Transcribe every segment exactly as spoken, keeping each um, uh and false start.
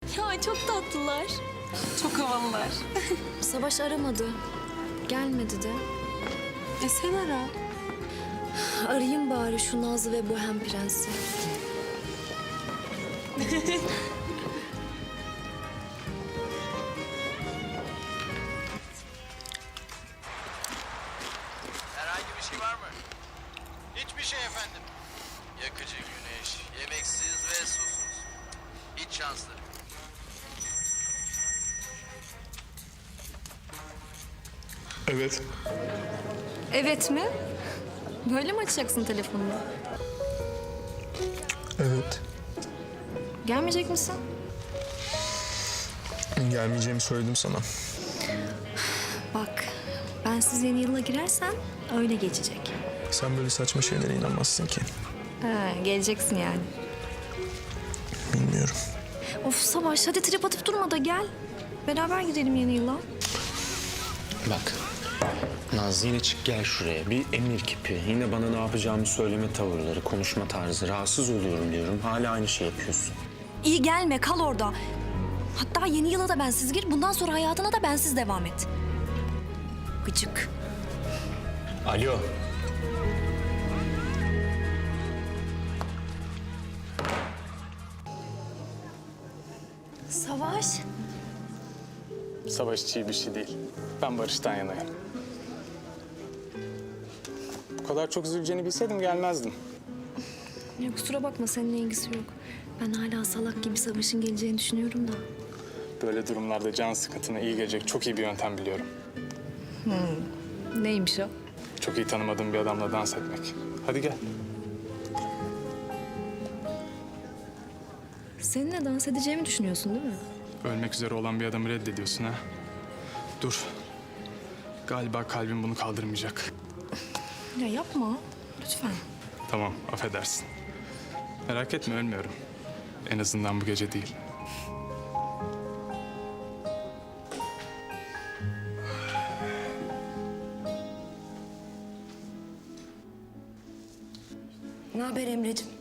Ya çok tatlılar. Çok havalılar. Savaş aramadı. Gelmedi de. E sen ara. Arayayım bari şu Nazlı ve Bohem Prensi. Herhangi bir şey var mı? Hiçbir şey efendim. Yakıcı güneş, yemeksiz ve susuz. Hiç şanslı. Evet. Evet mi? Böyle mi açacaksın telefonunu? Evet. Gelmeyecek misin? Gelmeyeceğimi söyledim sana. Bak, ben siz yeni yıla girersem öyle geçecek. Sen böyle saçma şeylere inanmazsın ki. Ha, geleceksin yani. Bilmiyorum. Of Savaş, hadi trip atıp durma da gel. Beraber gidelim yeni yıla. Bak, Nazlı yine çık gel şuraya. Bir emir kipi. Yine bana ne yapacağımı söyleme tavırları, konuşma tarzı. Rahatsız oluyorum diyorum. Hala aynı şey yapıyorsun. İyi gelme, kal orada. Hatta yeni yıla da bensiz gir, bundan sonra hayatına da bensiz devam et. Gıcık. Alo. Savaş. Savaş hiç iyi bir şey değil. Ben Barış'tan yanayım. Bu kadar çok üzüleceğini bilseydim gelmezdim. Ya kusura bakma, seninle ilgisi yok. Ben hala salak gibi Savaş'ın geleceğini düşünüyorum da. Böyle durumlarda can sıkıntına iyi gelecek çok iyi bir yöntem biliyorum. Neymiş o? Çok iyi tanımadığım bir adamla dans etmek. Hadi gel. Seninle dans edeceğimi düşünüyorsun değil mi? Ölmek üzere olan bir adamı reddediyorsun ha. Dur. Galiba kalbim bunu kaldırmayacak. Ya yapma, lütfen. Tamam, affedersin. Merak etme, ölmüyorum. En azından bu gece değil. Ne haber Emre'ciğim?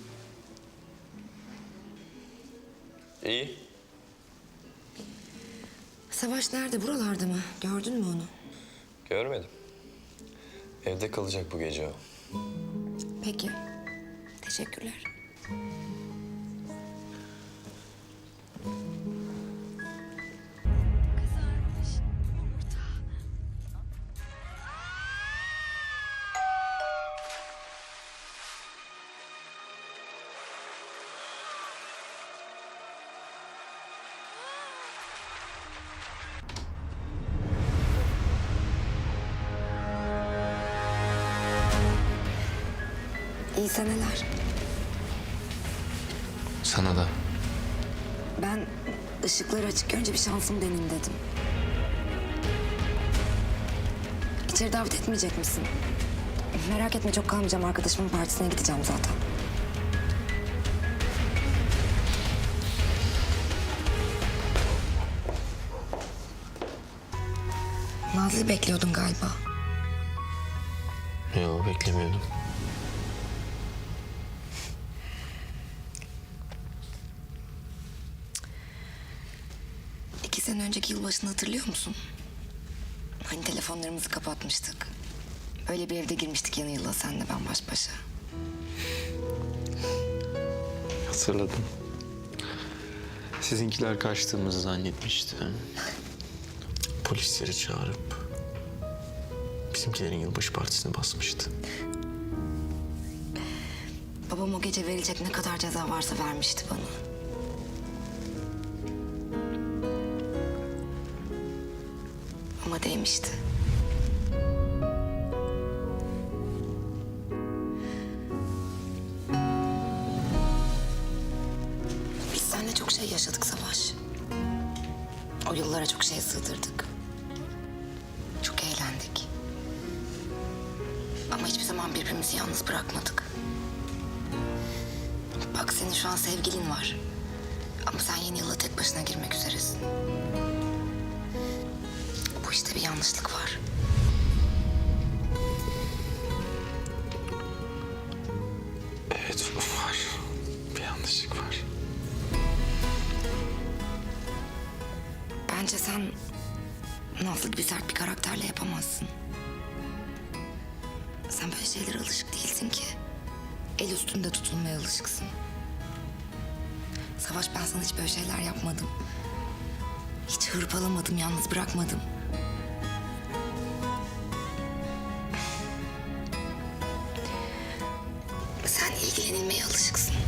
İyi. Savaş nerede? Buralarda mı? Gördün mü onu? Görmedim. Evde kalacak bu gece o. Peki. Teşekkürler. İyi seneler. Sana da. Ben ışıkları açık önce bir şansımı deneyeyim dedim. İçeri davet etmeyecek misin? Merak etme, çok kalmayacağım. Arkadaşımın partisine gideceğim zaten. Nazlı'yı bekliyordun galiba. Yok, beklemiyordum. İki sene önceki yılbaşını hatırlıyor musun? Hani telefonlarımızı kapatmıştık. Öyle bir evde girmiştik yeni yıla, senle ben baş başa. Hatırladım. Sizinkiler kaçtığımızı zannetmişti. Polisleri çağırıp bizimkilerin yılbaşı partisine basmıştı. Babam o gece verilecek ne kadar ceza varsa vermişti bana. Ama değmişti. Biz seninle çok şey yaşadık Savaş. O yıllara çok şey sığdırdık. Çok eğlendik. Ama hiçbir zaman birbirimizi yalnız bırakmadık. Bak, senin şu an sevgilin var. Ama sen yeni yıla tek başına girmek üzeresin. Bu işte bir yanlışlık var. Evet, var. Bir yanlışlık var. Bence sen Nazlı gibi sert bir karakterle yapamazsın. Sen böyle şeylere alışık değilsin ki. El üstünde tutulmaya alışıksın. Savaş, ben sana hiç böyle şeyler yapmadım. Hiç hırpalamadım, yalnız bırakmadım. Sen ilgilenilmeye alışıksın.